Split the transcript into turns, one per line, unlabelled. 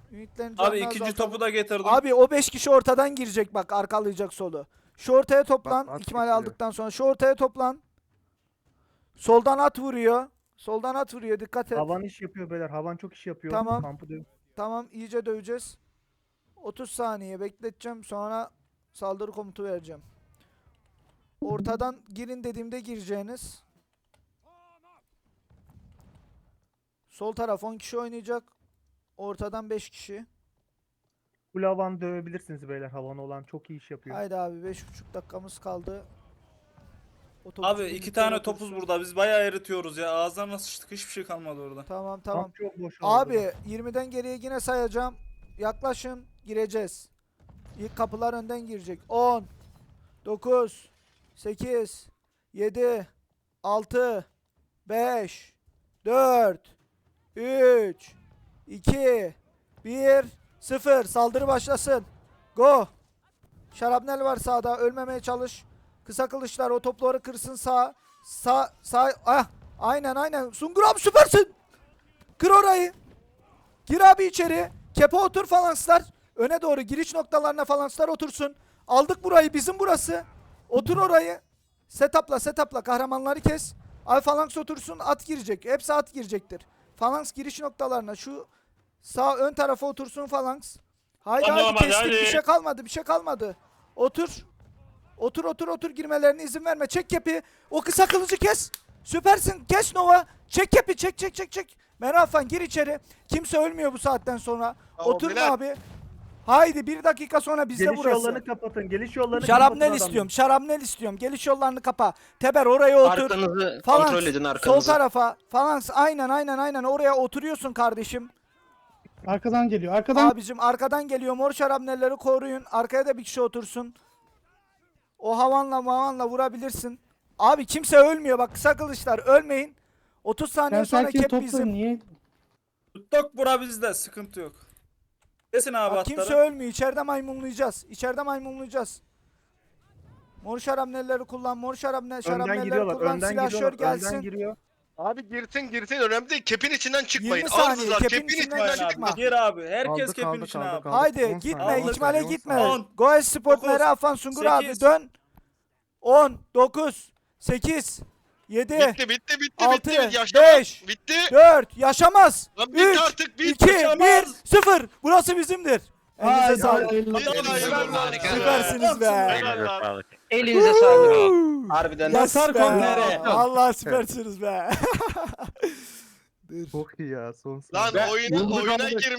Ümitlerin
Abi
canını
ikinci
azaltalım.
topu da getirdim.
Abi o 5 kişi ortadan girecek bak, arkalayacak solu. Şu ortaya toplan.
Bak, at
İkmal
getiriyor.
aldıktan sonra şu ortaya toplan. Soldan at vuruyor. Soldan at vuruyor, dikkat et.
Havan iş yapıyor beyler. Havan çok iş yapıyor.
Tamam.
Kampı dövüyor.
Tamam, iyice döveceğiz. 30 saniye bekleteceğim, sonra saldırı komutu vereceğim. Ortadan girin dediğimde gireceğiniz. Sol taraf 10 kişi oynayacak. Ortadan 5 kişi.
Full havan dövebilirsiniz beyler. Havan olan çok iyi iş yapıyor.
Haydi abi, 5,5 dakikamız kaldı. Otobüs
Abi
birlikte
iki tane
otursun.
topuz burada. Biz bayağı eritiyoruz ya. Ağızlarına sıçtık. Hiçbir şey kalmadı orada.
Tamam tamam.
Kamp çok boş oldu.
Abi 20'den geriye yine sayacağım. Yaklaşın, gireceğiz. İlk kapılar önden girecek. 10 9 8 7 6 5 4 3 2 1 0. Saldırı başlasın. Go. Şarapnel var sağda. Ölmemeye çalış. Kısa kılıçlar o topları kırsın sağ. Sağ. Ah. Aynen. Sungur abi süpersin. Kır orayı. Gir abi içeri. Kepe otur falanslar. Öne doğru giriş noktalarına falanslar otursun. Aldık burayı. Bizim burası. Otur orayı. Setupla. Kahramanları kes. Ay falans otursun. At girecek. Hepsi at girecektir. Falans giriş noktalarına. Şu sağ ön tarafa otursun falans. Haydi
Tamam,
hadi
hadi,
kestik.
hadi.
Bir şey kalmadı. Otur. Otur girmelerine izin verme. Çek kepi. O kısa kılıcı kes. Süpersin. Kes Nova. Çek kepi. Çek. Merafan gir içeri. Kimse ölmüyor bu saatten sonra.
Tamam,
Oturun
beyler.
abi. Haydi 1 dakika sonra bizde
Geliş
burası.
yollarını kapatın. Geliş yollarını
Şarapnel
kapatın
istiyorum. Şarapnel istiyorum. Geliş yollarını kapa. Teber oraya otur.
Arkanızı
Falans,
kontrol edin
sol
arkanızı.
tarafa. Falans aynen oraya oturuyorsun kardeşim.
Arkadan geliyor. Arkadan
Abicim arkadan geliyor. Mor şarapnelleri koruyun. Arkaya da bir kişi otursun. O havanla vurabilirsin. Abi kimse ölmüyor bak, kısa kılıçlar ölmeyin. 30 saniye
ben
sonra
sakin
kep
toplarım.
bizim.
Niye?
Tuttuk bura bizde. Sıkıntı yok. Kesin abi
Bak,
atları.
kimse ölmüyor. İçeride maymunlayacağız. Mor şarapnelleri kullan.
Önden
Şarapnelleri
giriyorlar.
kullan.
Önden
Silahşör
giriyorlar.
gelsin.
Önden giriyor.
Abi girsin önemli değil. Kepin içinden çıkmayın.
20 saniye,
Ağırsızlar
kepin
kepin
içinden
içinden
çıkma.
çıkmayın.
Gir abi. Herkes
Aldık,
kepin
aldık,
içine
aldık,
abi.
aldık.
Haydi
10
gitme,
saniye.
ikmale
10
gitme.
saniye.
10,
Goes Sport
9,
Mera Afan Sungur abi
8,
dön. 10 9 8 7
Bitti.
6
Yaşlı
5
bitti.
4 yaşamaz.
Lan bitti
3
artık, bitti.
2 1
Yaşamaz.
0. Burası bizimdir. Elinize
Haydi,
sağlık.
hayırlı olsun.
Harika.
Süpersiniz be.
Helal lan.
Elinize sağlık. Harbiden.
Yes
Yazar
be.
kornere.
Vallahi süpersiniz be.
Çok iyi ya. Son
Lan oyuna girmiş.